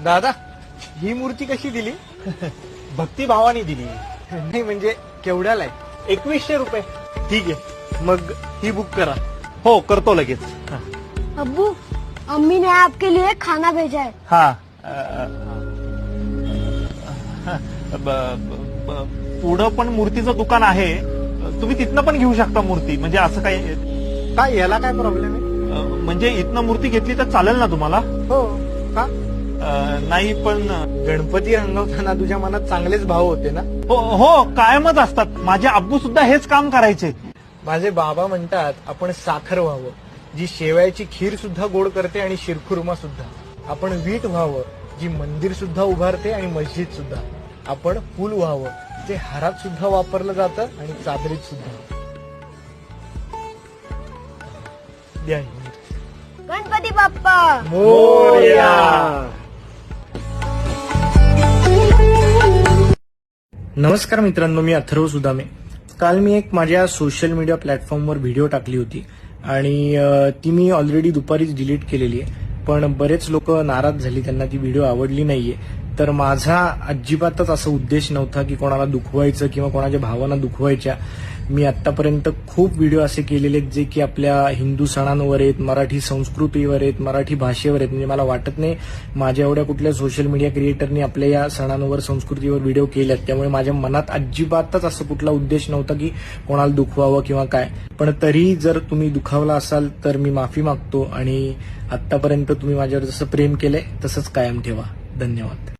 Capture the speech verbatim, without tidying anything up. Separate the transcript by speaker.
Speaker 1: दादा ही मूर्ती कशी दिली?
Speaker 2: भक्तिभावाने दिली.
Speaker 1: नाही म्हणजे केवढ्याला आहे?
Speaker 2: एकवीसशे रुपये.
Speaker 1: ठीक आहे, मग ही बुक करा.
Speaker 2: हो करतो लगेच. हा.
Speaker 3: अब्बू, अम्मी ने आपके लिए खाना भेजा है.
Speaker 2: हा अ, ब- ब- ब- पुढं पण मूर्तीचं दुकान आहे, तुम्ही तिथनं पण घेऊ शकता मूर्ती. म्हणजे असं काही
Speaker 1: काय याला काय प्रॉब्लेम आहे?
Speaker 2: अ, म्हणजे इथनं मूर्ती घेतली तर चालेल ना तुम्हाला?
Speaker 1: हो का?
Speaker 2: अ, नाही पण
Speaker 1: गणपती रंगवताना तुझ्या मनात चांगलेच भाव होते ना?
Speaker 2: हो हो कायमच असतात. माझे आब्बू सुद्धा हेच काम करायचे.
Speaker 1: माझे बाबा म्हणतात आपण साखर व्हावं, जी शेवयाची खीर सुद्धा गोड करते आणि शिरखुर्मा सुद्धा. आपण वीट व्हावं, जी मंदिर सुद्धा उभारते आणि मस्जिद सुद्धा. आपण फुल व्हावं, जे हारात सुद्धा वापरलं जातं आणि चादरीत सुद्धा. द्या ही मूर्ती.
Speaker 3: गणपती बाप्पा
Speaker 1: मोरया. नमस्कार मित्रांनो, मी अथर्व सुदामे. काल मी एक माझ्या सोशल मीडिया प्लॅटफॉर्मवर व्हिडिओ टाकली होती आणि अ, ती मी ऑलरेडी दुपारीच डिलीट केलेली आहे. पण बरेच लोक नाराज झाली, त्यांना ती व्हिडिओ आवडली नाहीये. तर माझा अजिबातच असा उद्देश नव्हता की कोणाला दुखवायचं किंवा कोणाच्या भावना दुखवायच्या. मी आतापर्यंत खूप व्हिडिओ असे केलेले आहेत जे की आपल्या हिंदू सणांवर आहेत, मराठी संस्कृतीवर आहेत, मराठी भाषेवर आहेत. म्हणजे मला वाटत नाही माझ्या एवढ्या कुठल्या सोशल मीडिया क्रिएटरनी आपल्या या सणांवर संस्कृतीवर व्हिडिओ केल्यात. त्यामुळे माझ्या मनात अजिबातच असं कुठला उद्देश नव्हता की कोणाला दुखवावं किंवा काय. पण तरी जर तुम्ही दुखावला असाल तर मी माफी मागतो आणि आतापर्यंत तुम्ही माझ्यावर जसं प्रेम केलंय तसंच कायम ठेवा. धन्यवाद.